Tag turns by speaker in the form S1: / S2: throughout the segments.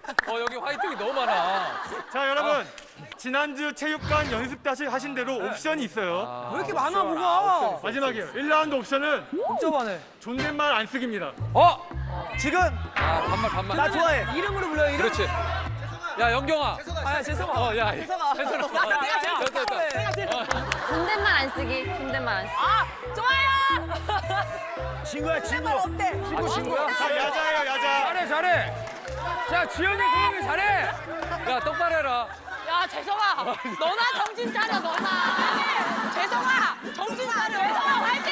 S1: 여기 화이팅이 너무 많아.
S2: 자, 여러분. 지난주 체육관 연습 다시 하신 대로 옵션이 있어요.
S3: 왜 이렇게 많아 뭐가?
S2: 마지막이에요. 1라운드 옵션은
S3: 복잡하네.
S2: 존댓말 안 쓰기입니다.
S3: 지금
S1: 반말.
S3: 나 좋아해. 이름으로 불러요 이름.
S1: 그렇지. 야, 영경아.
S3: 아 죄송아.
S1: 야.
S3: 죄송아.
S1: 괜찮아.
S3: 내가 제일
S1: 됐다.
S3: 좋아해. 내가 제일
S4: 존댓말 안 쓰기. 존댓말 안 쓰기.
S3: 좋아요. 친구야 친구. 어때?
S1: 친구야?
S2: 자, 야자예요, 야자.
S1: 잘해. 자, 지영이, 소영이 잘해. 야, 똑바로 해라.
S5: 야, 재성아, 너나 정신 차려, 너나. 재성아, 정신 차려. 재성아, 화이팅!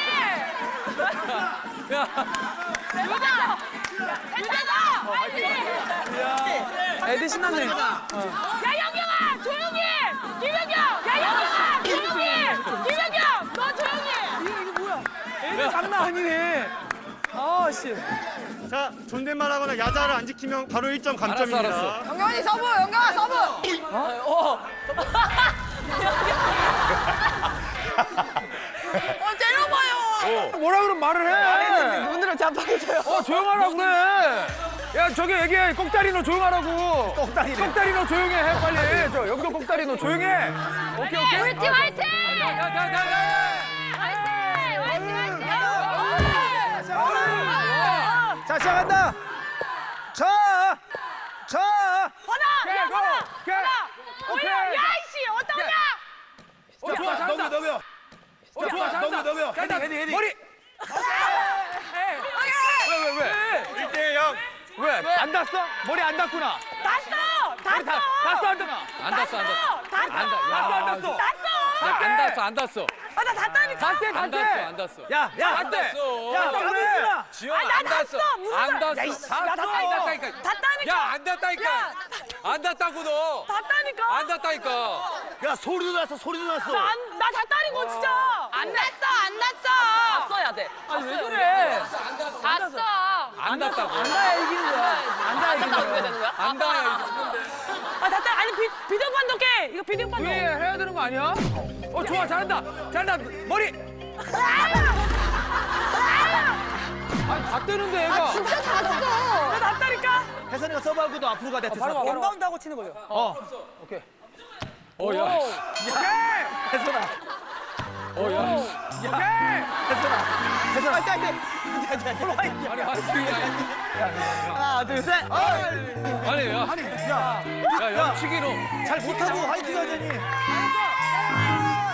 S1: 야,
S5: 유자! 유자다! 화이팅!
S3: 애들 신났네.
S5: 야, 영경아, 조용히! 김영경! 야, 영경아, 조용히! 김영경, 너 조용히!
S3: 이거 뭐야? 애들 장난 아니네. 아 씨.
S2: 자, 존댓말 하거나 야자를 안 지키면 바로 1점 감점입니다.
S1: 알았어.
S5: 영경이 서브, 영경아, 서브! 때려봐요!
S3: 뭐라 그러면 말을 해.
S5: 눈으로 잡아줘요.
S3: 조용하라고 그래. 야 저기 얘기해. 꼭다리 너 조용하라고. 꼭다리 너 조용해. 해 빨리. 저 여기도 꼭다리 너 조용해. 오케이.
S5: 우리 팀 화이팅!
S3: 자 시작한다. 자.
S5: 번아! 야, 번아! 번아! 올려! 야, 이씨! 어떠냐?
S3: 좋아 잘한다. 넘겨. 좋아 잘한다. 넘겨. 헤딩. 머리. 왜?
S2: 1대 0.
S3: 왜? 안 닿았어? 머리 안 닿구나.
S5: 닿았어! 닿았어!
S3: 닿았어 안 닿아?
S1: 안 닿았어.
S5: 닿았어!
S1: 안 닿았어.
S5: 아, 나 닿다니까!
S1: 안 닿았어.
S3: 야,
S1: 안 닿았어.
S3: 야, 그래.
S1: 지영아,
S5: 나
S1: 안 닿았어.
S5: 닿았어. 무슨
S1: 안
S5: 소리야.
S1: 닿았어.
S5: 야, 이씨, 나
S1: 안 닿다니까.
S5: 닿다니까.
S1: 야, 안 닿다니까. 안 닿다고 너.
S5: 닿다니까!
S1: 안 닿다니까.
S3: 야, 소리도 났어.
S5: 나 닿다니까, 진짜! 안 닿았어! 닿았어야 돼.
S3: 아니, 왜 그래?
S5: 닿았어!
S1: 안 닿다고.
S3: 안 닿아야 이기는 거야. 안 닿아야 이기는 거야.
S5: 되는 거야?
S1: 안 닿아야
S5: 아, 닿다! 아니, 비디오 판독해! 이거 비디오 판독!
S3: 해야 되는 거 아니야? 좋아. 잘한다. 머리. 아니, 다 뜨는데, 얘가.
S4: 진짜 잤어.
S5: 나 닿다니까!
S3: 혜선이가 서브하고 너 앞으로 가. 내가 바로 원바운드 하고 치는 거죠. 오케이.
S1: 야.
S3: 혜선아.
S1: 야.
S3: 혜선아. 화이팅.
S1: 아니, 화이팅이야.
S3: 하나, 둘, 셋.
S1: 아니, 야. 야, 영치기 너.
S3: 잘 못하고 화이팅 하더니.